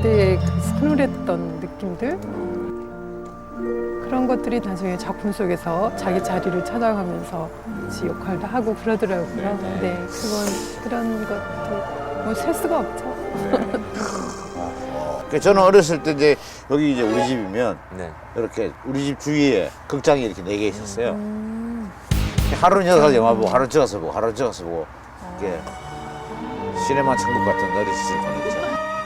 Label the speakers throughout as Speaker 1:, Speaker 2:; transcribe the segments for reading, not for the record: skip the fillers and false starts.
Speaker 1: 그때의 그 서늘했던 느낌들 그런 것들이 나중에 작품 속에서 자기 자리를 찾아가면서 역할도 하고 그러더라고요. 네, 그런 것들 뭐 셀 수가 없죠.
Speaker 2: 저는 어렸을 때 이제 여기 이제 우리 집이면
Speaker 3: 네.
Speaker 2: 이렇게 우리 집 주위에 극장이 이렇게 4개 있었어요. 하루는 여기서 영화 보고 하루는 저기 가서 보고 하루는 저기 가서 보고 이렇게 시네마 천국 같은 어린 시절 보냈죠.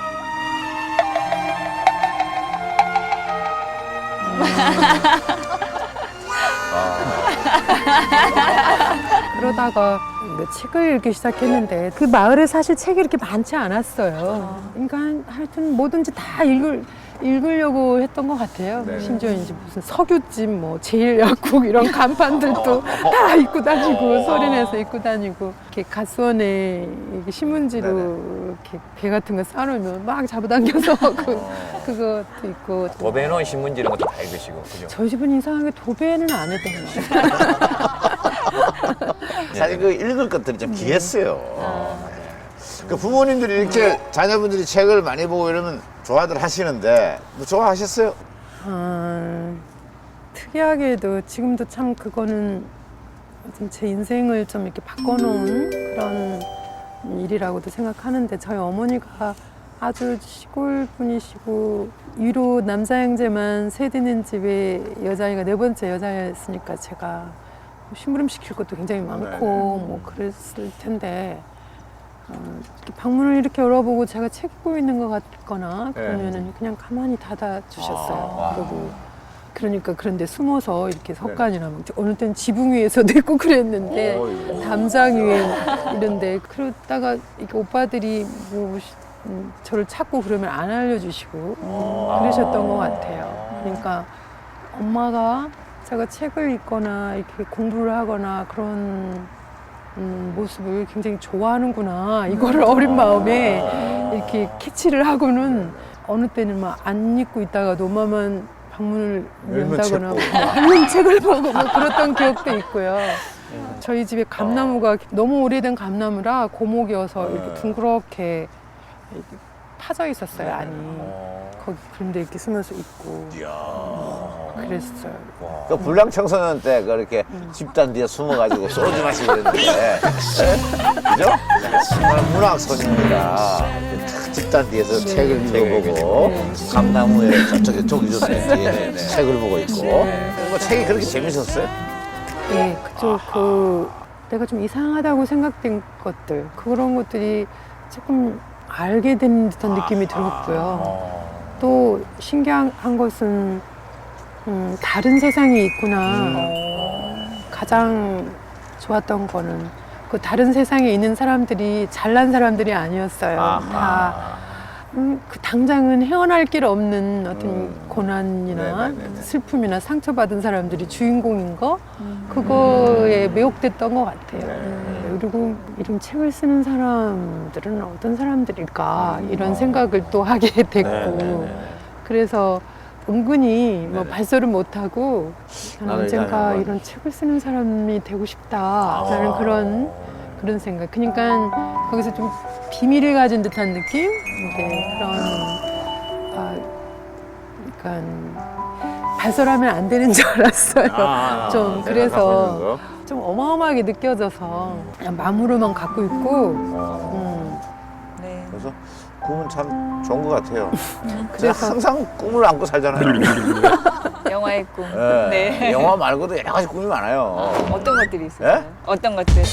Speaker 1: 그러다가 뭐 책을 읽기 시작했는데 그 마을에 사실 책이 이렇게 많지 않았어요. 그러니까 하여튼 뭐든지 다 읽으려고 했던 것 같아요.
Speaker 2: 네.
Speaker 1: 심지어 이제 무슨 석유집, 뭐 제일약국 이런 간판들도 다 입고 다니고 소리내서 입고 다니고 이렇게 가수원에 이렇게 신문지로 이렇게 배 같은 거 싸놓으면 막 잡아당겨서 그것도 있고.
Speaker 3: 도배놓은 신문지 이런 것도 다 읽으시고, 그죠?
Speaker 1: 저희 집은 이상하게 도배는 안 했던 것 같아요.
Speaker 2: 사실 그 읽을 것들이 좀 귀했어요. 그 부모님들이 이렇게 자녀분들이 책을 많이 보고 이러면 좋아들 하시는데 뭐 좋아하셨어요?
Speaker 1: 특이하게도 지금도 참 그거는 좀 제 인생을 좀 이렇게 바꿔놓은 그런 일이라고도 생각하는데 저희 어머니가 아주 시골 분이시고 위로 남자 형제만 세 되는 집에 여자아이가 4번째 여자였으니까 제가 심부름 시킬 것도 굉장히 많고 뭐 그랬을 텐데 이렇게 방문을 이렇게 열어보고 제가 책 읽고 있는 것 같거나 그러면은 그냥 가만히 닫아 주셨어요. 그러니까 그런데 숨어서 이렇게 석간이나 막 어느 때는 지붕 위에서도 있고 그랬는데 담장 위에 이런데 그러다가 이렇게 오빠들이 뭐 저를 찾고 그러면 안 알려주시고 그러셨던 것 같아요. 그러니까 엄마가 제가 책을 읽거나 이렇게 공부를 하거나 그런 모습을 굉장히 좋아하는구나. 이거를 어린 마음에 이렇게 캐치를 하고는 어느 때는 막 안 읽고 있다가도 엄마만 방문을 연다거나 뭐 읽는 책을 보고 뭐 그랬던 기억도 있고요. 저희 집에 감나무가 너무 오래된 감나무라 고목이어서 이렇게 둥그렇게 이렇게 파져 있었어요, 안이. 거기 그런데 이렇게 숨어서 있고 그랬어요.
Speaker 2: 그 불량 청소년 때 그렇게 집단 뒤에 숨어가지고 소주 마시고 그랬는데 그죠? 정말 문학 소녀입니다. 집단 뒤에서 책을 읽어보고 감나무에 저쪽에 쪽 있었는지 책을 보고 있고 뭐 책이 그렇게 재밌었어요?
Speaker 1: 네, 그쪽 내가 좀 이상하다고 생각된 것들 그런 것들이 조금 알게 된 듯한 느낌이 들었고요. 또 신기한 것은 다른 세상이 있구나. 가장 좋았던 거는 그 다른 세상에 있는 사람들이 잘난 사람들이 아니었어요. 다 그 당장은 헤어날 길 없는 어떤 고난이나 슬픔이나 상처받은 사람들이 주인공인 거 그거에 매혹됐던 것 같아요. 그리고 이런 책을 쓰는 사람들은 어떤 사람들일까 이런 생각을 또 하게 됐고 그래서 은근히 뭐 발설을 못하고 나는 언젠가 이런 책을 쓰는 사람이 되고 싶다라는 그런 생각. 그러니까 거기서 좀 비밀을 가진 듯한 느낌? 네, 그러니까 발설하면 안 되는 줄 알았어요. 좀 그래서 좀 어마어마하게 느껴져서 그냥 마음으로만 갖고 있고.
Speaker 4: 네.
Speaker 2: 그래서 꿈은 참 좋은 것 같아요.
Speaker 1: 그래서
Speaker 2: 항상 꿈을 안고 살잖아요.
Speaker 4: 영화의 꿈.
Speaker 2: 네.
Speaker 4: 네.
Speaker 2: 영화 말고도 여러 가지 꿈이 많아요.
Speaker 4: 어떤 것들이 있어요?
Speaker 2: 네?
Speaker 4: 어떤 것들?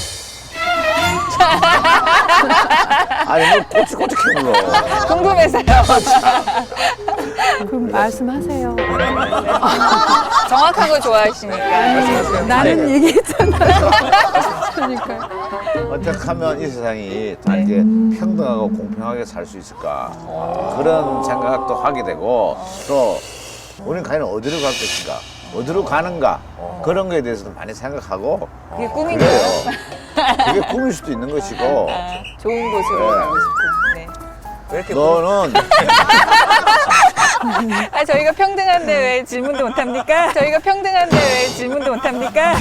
Speaker 2: 아니 뭐 꼬치꼬치 캐물러.
Speaker 4: 궁금해서요.
Speaker 1: 그럼 말씀하세요.
Speaker 4: 정확한 거 좋아하시니까.
Speaker 1: 나는 얘기했잖아요. 그러니까.
Speaker 2: 어떻게 하면 이 세상이 다 이렇게 평등하고 공평하게 살 수 있을까 그런 생각도 하게 되고 또 우리는 과연 어디로 갈 것인가 어디로 가는가 그런 거에 대해서도 많이 생각하고
Speaker 4: 그게 꿈인가요?
Speaker 2: 그게 꿈일 수도 있는 것이고
Speaker 4: 좋은 곳으로
Speaker 2: 네.
Speaker 4: 가고 싶은. 네.
Speaker 3: 왜 이렇게
Speaker 2: 너는
Speaker 4: 아, 저희가 평등한데 왜 질문도 못합니까? 저희가 평등한데 왜 질문도 못합니까?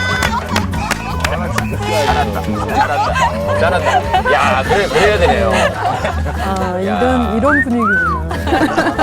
Speaker 3: 잘한다. 야, 그래야 되네요.
Speaker 1: 이런 분위기구나.